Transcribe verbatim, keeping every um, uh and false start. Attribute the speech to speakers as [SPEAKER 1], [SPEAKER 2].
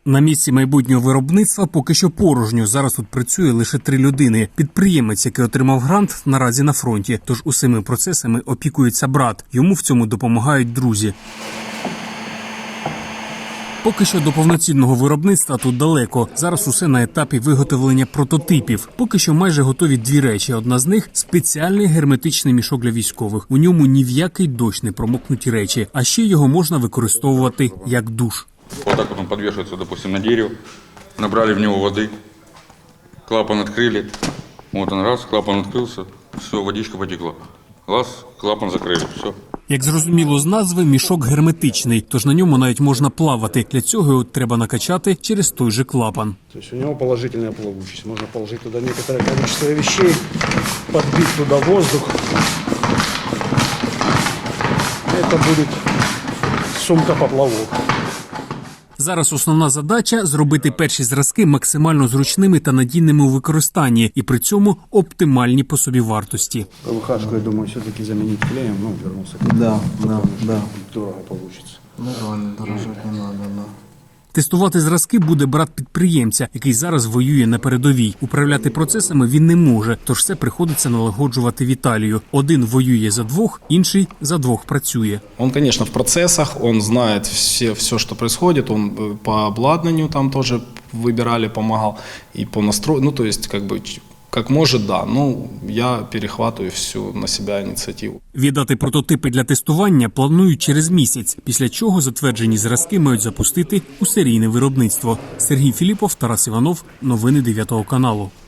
[SPEAKER 1] На місці майбутнього виробництва поки що порожньо. Зараз тут працює лише три людини. Підприємець, який отримав грант, наразі на фронті. Тож усіми процесами опікується брат. Йому в цьому допомагають друзі. Поки що до повноцінного виробництва тут далеко. Зараз усе на етапі виготовлення прототипів. Поки що майже готові дві речі. Одна з них – спеціальний герметичний мішок для військових. У ньому ні в який дощ не промокнуть речі. А ще його можна використовувати як душ.
[SPEAKER 2] Вот так вот он подвешивается, допустим, на дерево. Набрали в него воды, клапан открыли. Вот он раз, клапан открылся, все, водичка потекла. Раз, клапан закрыли, все.
[SPEAKER 1] Як зрозуміло з назви, мішок герметичний, тож на ньому навіть можна плавати. Для цього його треба накачати через той же клапан.
[SPEAKER 3] Тобто у нього положительна плавучість. Можна положити туди некоторое количество вещей, підбити туди воздух. Це буде сумка-поплавок.
[SPEAKER 1] Зараз основна задача – зробити перші зразки максимально зручними та надійними у використанні і при цьому оптимальні по собі вартості.
[SPEAKER 3] ПВХшку, я думаю, все-таки замінити клеєм, ну, вернувся.
[SPEAKER 4] Да, да, да.
[SPEAKER 3] Дорого получится.
[SPEAKER 4] Нормально, дорожать не надо, да.
[SPEAKER 1] Тестувати зразки буде брат підприємця, який зараз воює на передовій. Управляти процесами він не може, тож все приходиться налагоджувати Віталію. Один воює за двох, інший за двох працює.
[SPEAKER 5] Он, конечно, в процессах, он знает все, все, что происходит, он по обладнанию там тоже выбирали, помогал, и по настрою, ну, то есть, как бы, как может, да, ну, я перехватываю всю на себя инициативу.
[SPEAKER 1] Віддати прототипи для тестування планують через місяць, після чого затверджені зразки мають запустити у серійне виробництво. Сергій Філіпов, Тарас Іванов. Новини дев'ятого каналу.